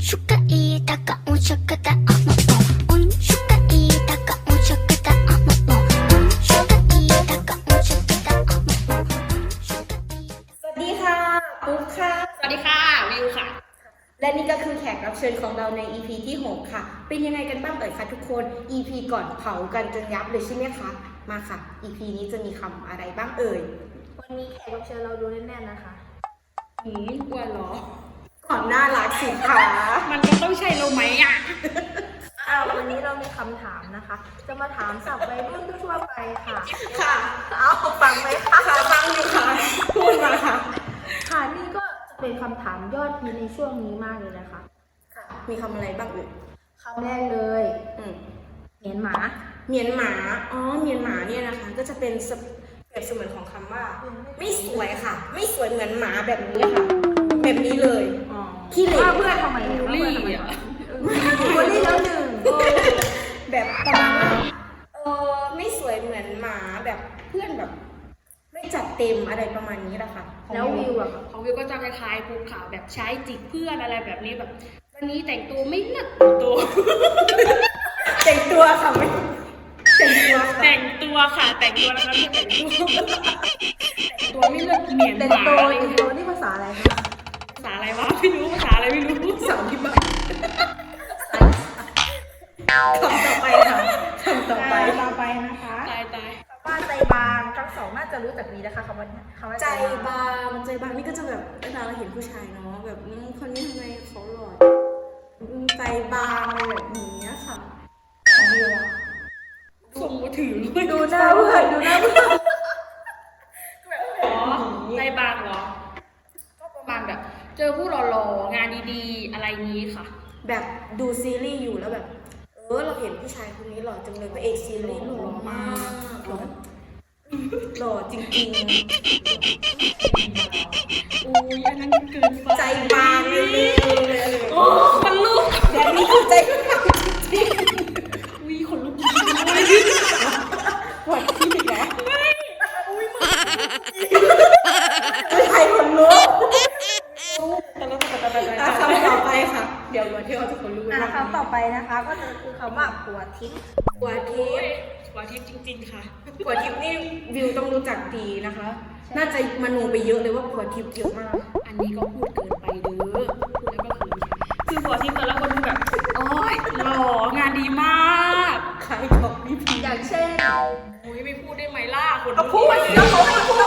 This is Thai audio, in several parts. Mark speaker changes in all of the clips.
Speaker 1: suka itaka unshakata amamo unshuka itaka unshakata amamo unshuka itaka unshakata amamo
Speaker 2: สวัสดีค่ะปุ๊กค่ะ
Speaker 3: สวัสดีค่ะวิวค่ะ
Speaker 2: และนี่ก็คือแขกรับเชิญของเราใน EP ที่ 6 ค่ะ เป็นยังไงกันบ้างเอ่ยคะทุกคน EP ก่อนเผากันจนยับเลยใช่ไหมคะ มาค่ะ EP นี้จะมีคำอะไรบ้างเอ่ย
Speaker 4: วันนี้แขกรับเชิญเราดูแน่นๆนะคะ
Speaker 3: อ้วนเหรอ
Speaker 2: ก่อนหน้ารักสิคะ
Speaker 3: มันก็ต้องใช่เราไหมอ่ะ
Speaker 4: วันนี้เรามีคำถามนะคะ จะมาถามศัพท์วัยรุ่นทั่วๆไปค่ะ
Speaker 2: ค่ะ
Speaker 4: เอาฟังไหมคะ
Speaker 2: ค่ะฟังอยู่ค่ะ พูดมาค่ะ
Speaker 4: ค่ะนี่ก็จะเป็นคำถามยอดฮิตในช่วงนี้มากเลยนะคะ
Speaker 2: ค่ะ มีคำอะไรบ้างเอ่ย
Speaker 4: คำแรกเลย
Speaker 2: อืม
Speaker 4: เหมียนหมา
Speaker 2: เมียนหมา อ๋อ เมียนหมาเนี่ยนะคะ ก็จะเป็นเปรียบเสมือนของคำว่า ไม่สวยค่ะ ไม่สวยเหมือนหมาแบบนี้ค่ะ แบบนี้เลย ขี้เหร่
Speaker 4: ว่าเพื่อนทำไม
Speaker 3: บูลลี่อ่ะ
Speaker 4: บูลลี่แล้วหนึ่ง
Speaker 2: แบบประมาณว่าไม่สวยเหมือนหมาแบบเพื่อนแบบ ไม่จัดเต็มอะไรประมาณนี้แหละค่ะ
Speaker 4: แล้ววิวอะ
Speaker 3: ของวิวก็จะคล้ายๆภูเขาแบบใช้จิกเพื่อนอะไรแบบนี้แบบ วันนี้แต่งตัวไม่เลิศตัว
Speaker 2: แต่งตัวค่ะไม่แต่งตัวค่ะ
Speaker 3: แต่งตัวค่ะ แต่งตัวนะคะไม่แต่งตัวแต่งตัวไม่เลิศเหมียน
Speaker 4: เป็น
Speaker 3: หมา
Speaker 4: โต
Speaker 3: อะไร
Speaker 4: เป็นโตนี่ภาษาอะไรคะ
Speaker 3: ภาษาอะไรวะไม่รู้ภาษาอะไรไม่รู้
Speaker 2: สาวที่บ้านคำต่อไปค่ะคำต่อไป
Speaker 4: ต่อไปนะคะ
Speaker 3: ตาย
Speaker 4: คำว่าใจบางทั้งสองน่าจะรู้จักดีนะคะคำว่า
Speaker 2: ใจบางใจบางนี่ก็จะแบบเวลาเราเห็นผู้ชายเนาะแบบคนนี้ทำไมเขาหล่อใจบางอะไรแบบนี้ค่ะของวิวอะ
Speaker 3: ส่งมือถือด้วย
Speaker 4: ดูหน้าเพื่อนดูหน้าเพื่อน
Speaker 3: อ๋อใจบางเหรอ ก็ประมาณแบบ เจอผู้หล่อๆงานดีๆ อะไรงี้ค่ะ
Speaker 2: แบบดูซีรีส์อยู่แล้วแบบเราเห็นผู้ชายคนนี้หล่อจังเลยพระเอกซีรีส์หล่อมากหล่อจริง
Speaker 3: อุ้ยอันนั้นเกินไป
Speaker 2: ๆ ใจบางเลย
Speaker 3: โอ้มันลุก
Speaker 2: แบบนี้คือใจบาง
Speaker 3: อุ้ยขนลุก
Speaker 2: ปวดที่เหรอไม่ใครคนรู้คำต่อไปค่ะ เดี๋ยววันที่เราจะคนรู้
Speaker 4: คำต่อไปนะคะก็คือคำว่าหัวทิ้ง
Speaker 2: ปวดทิพย์
Speaker 3: หัวทิพย์จริงๆค่ะ
Speaker 2: ปวดทิพย์นี่วิวต้องรู้จักดีนะคะ น่าจะมโนไปเยอะเลยว่าปวดทิพย์เยอะมาก
Speaker 3: อันนี้ก็พูดเกินไปเด้อพูดแล้วก็คือหัวทิพย์แต่ละคนคือแบบโอ้ยหล่องานดีมาก
Speaker 2: ใครของพี่พี
Speaker 4: อย่างเช่น
Speaker 3: อุ้ยไม่พูดได้ไหมล่ะคน
Speaker 2: พูดแล้วเขาไม่พูด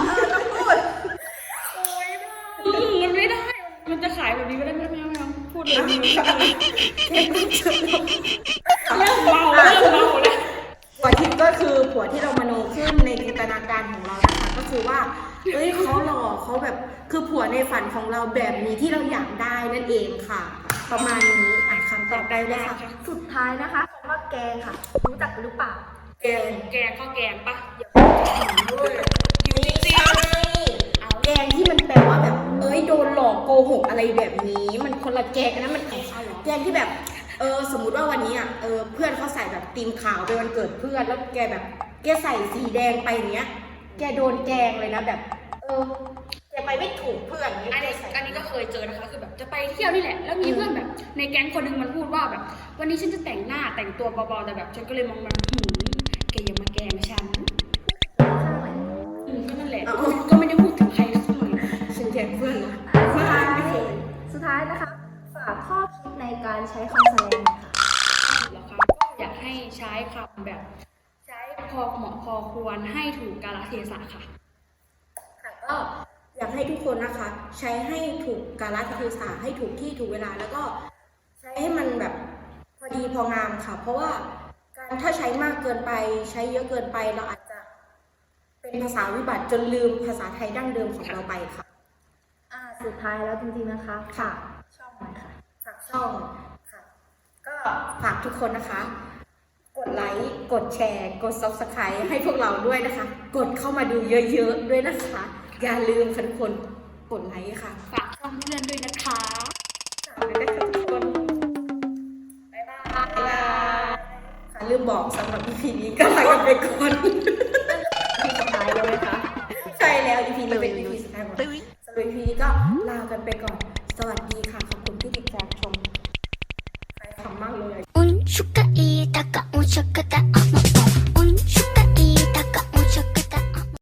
Speaker 3: โอ้ยมันไม่ได้ มันจะขายแบบนี้ไม่ได้ไม่เอาพูดเลยเริ่มเมาแล้ว
Speaker 2: ปวดทิพย์ก็คือผัวที่เรามโนขึ้นในจินตนาการของเรานะคะ ก็คือว่าเขาหล่อเขาแบบคือผัวในฝันของเราแบบนี้ที่เราอยากได้นั่นเองค่ะ ประมาณนี้คำต่อไปเลยค่ะ
Speaker 4: สุดท้ายนะคะคำว่าแกงค่ะ รู้จักหรือเปล่า
Speaker 2: แกง
Speaker 3: แกงข้าวแกงปะ
Speaker 2: อยู่จริงๆเอาแกงที่มันแปลว่าแบบโดนหลอกโกหกอะไรแบบนี้ มันคนละแกงกันนะมันแกงที่แบบสมมุติว่าวันนี้เพื่อนเขาใส่แบบตีมขาวไปวันเกิดเพื่อนแล้วแกแบบแกใส่สีแดงไปอย่างเงี้ย แกโดนแกงเลยนะแบบแกไปไม่ถูกเพื่อนอย่างเงี้ย
Speaker 3: อันนี้ก็เคยเจอนะคะคือแบบจะไปเที่ยวนี่แหละ แล้วมีเพื่อนแบบในแก๊งคนหนึงมันพูดว่าแบบ วันนี้ฉันจะแต่งหน้าแต่งตัวเบาๆแต่แบบฉันก็เลยมองมันแกอย่ามาแกล้งฉันก็นั่นแหละก็ไม่ได้พูดถึงใครสักหน่อย
Speaker 2: ฉันแกงเพื่อนนะ
Speaker 4: สุดท้ายนะคะ ฝากข้อคิดในการใช้คำแสดงค่ะ
Speaker 3: แล้วค่ะก็อยากให้ใช้คำแบบ ใช้พอเหมาะพอควรให้ถูกกาลเทศะค่ะ
Speaker 2: ก็อยากให้ทุกคนนะคะ ใช้ให้ถูกกาลเทศะให้ถูกที่ถูกเวลาแล้วก็ใช้ให้มันแบบพอดีพองามค่ะ เพราะว่าถ้าใช้มากเกินไปใช้เยอะเกินไปเราอาจจะเป็นภาษาวิบัติจนลืมภาษาไทยดั้งเดิมของเราไปค่ะ
Speaker 4: สุดท้ายแล้วจริงๆนะคะฝากช่องหน่อยค่ะ
Speaker 2: ฝากช่องค่ะ ก็ฝากทุกคนนะคะ กดไลค์กดแชร์กด Subscribe ให้พวกเราด้วยนะคะ กดเข้ามาดูเยอะๆด้วยนะคะ อย่าลืมค่ะทุกคนกดไลค์ค่ะ
Speaker 3: ฝากช่องเพื่อนด้วยนะคะ
Speaker 2: ฝากด้วยนะคะทุกคนบ๊ายบายค่ะลืมบอกสำหรับ EP นี้ก็ลากันไปก่อน
Speaker 4: ที่สุดท้ายเลยไหมคะ
Speaker 2: ใช่แล้ว EP นี้เป็น EP สุดท้ายของเราสำหรับ EP นี้ก็ลากันไปก่อน สวัสดีค่ะ ขอบคุณที่ติดตามชม
Speaker 1: ชุกะอีตะกะอุชกะตะ